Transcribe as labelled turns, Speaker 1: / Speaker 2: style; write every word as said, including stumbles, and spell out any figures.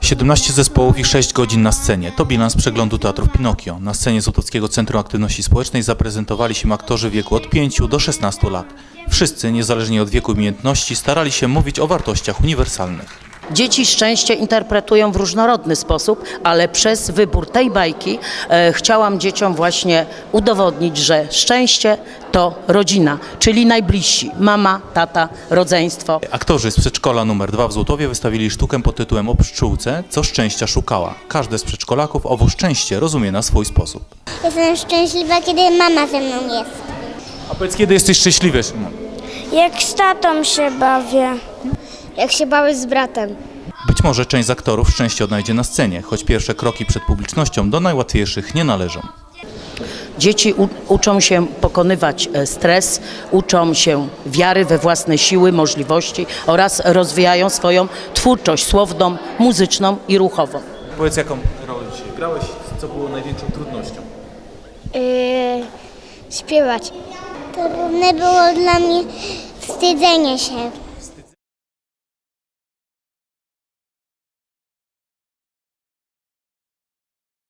Speaker 1: siedemnaście zespołów i sześć godzin na scenie. To bilans przeglądu Teatrów Pinokio. Na scenie Złotowskiego Centrum Aktywności Społecznej zaprezentowali się aktorzy w wieku od pięciu do szesnastu lat. Wszyscy, niezależnie od wieku i umiejętności, starali się mówić o wartościach uniwersalnych.
Speaker 2: Dzieci szczęście interpretują w różnorodny sposób, ale przez wybór tej bajki e, chciałam dzieciom właśnie udowodnić, że szczęście to rodzina, czyli najbliżsi, mama, tata, rodzeństwo.
Speaker 1: Aktorzy z przedszkola numer dwa w Złotowie wystawili sztukę pod tytułem O pszczółce, co szczęścia szukała. Każdy z przedszkolaków owo szczęście rozumie na swój sposób.
Speaker 3: Jestem szczęśliwa, kiedy mama ze mną jest.
Speaker 1: A powiedz, kiedy jesteś szczęśliwy, Szymon?
Speaker 4: Jak z tatą się bawię.
Speaker 3: Jak się bawię z bratem.
Speaker 1: Być może część z aktorów szczęście odnajdzie na scenie, choć pierwsze kroki przed publicznością do najłatwiejszych nie należą.
Speaker 2: Dzieci u, uczą się pokonywać e, stres, uczą się wiary we własne siły, możliwości oraz rozwijają swoją twórczość słowną, muzyczną i ruchową.
Speaker 1: Powiedz, jaką rolę dzisiaj grałeś, co było największą trudnością?
Speaker 3: Yy, śpiewać. Trudne było dla mnie wstydzenie się.